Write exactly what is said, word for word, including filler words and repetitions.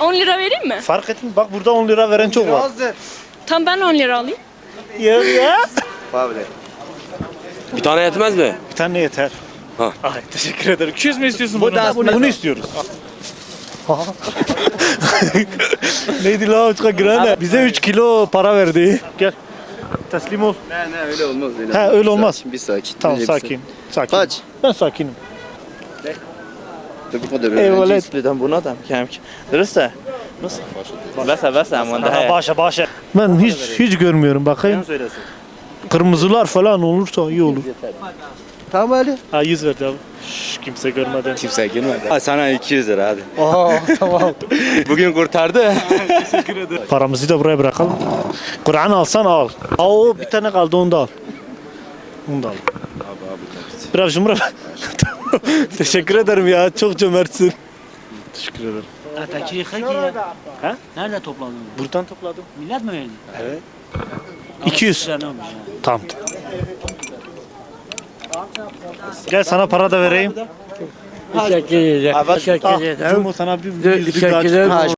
on lira vereyim mi? Fark ettin bak burada on lira veren çok var. Tam ben on lira alayım. Ya ya. Bir tane yetmez mi? Bir tane yeter. Ha. Ay teşekkür ederim. iki yüz mü istiyorsun Bu bunu? da bunu, bunu istiyoruz. Neydi la uçka grane? Bize üç kilo para verdi. Gel. Teslim ol. Ne ne öyle olmaz öyle. Ha öyle olmaz. Bir sakin. Tamam Önce bir sakin. Sakin. Kaç? Ben sakinim. sakin. Bu kadar Eyvallah. öğrenci. buna da kemk. Dürüstte? Nasıl? Basa basa aman Aha, başa başa. Ben hiç hiç görmüyorum bakayım. Kırmızılar falan olursa iyi olur. Tamam Ali. Ha yüz verdi abi. Şş, kimse görmeden. Kimse girmedi. Sana iki yüz lira hadi. Aa tamam. Bugün kurtardı. Paramızı da buraya bırakalım. Kur'an alsan al. Aa o bir tane kaldı onu da al. Onu da al. Biraz cumhur. Teşekkür ederim ya çok cömertsin. Teşekkür ederim. Atakiri haki ya. Ha? Nerede topladın? Buradan topladım. Millet mi verdi? Evet. iki yüz. Ne olmuş ya? Tamam. Gel sana para da vereyim. Teşekkür ederim. Teşekkür Ah, ederim. Cumhur sana bir, bir, bir, bir, Teşekkür ederim.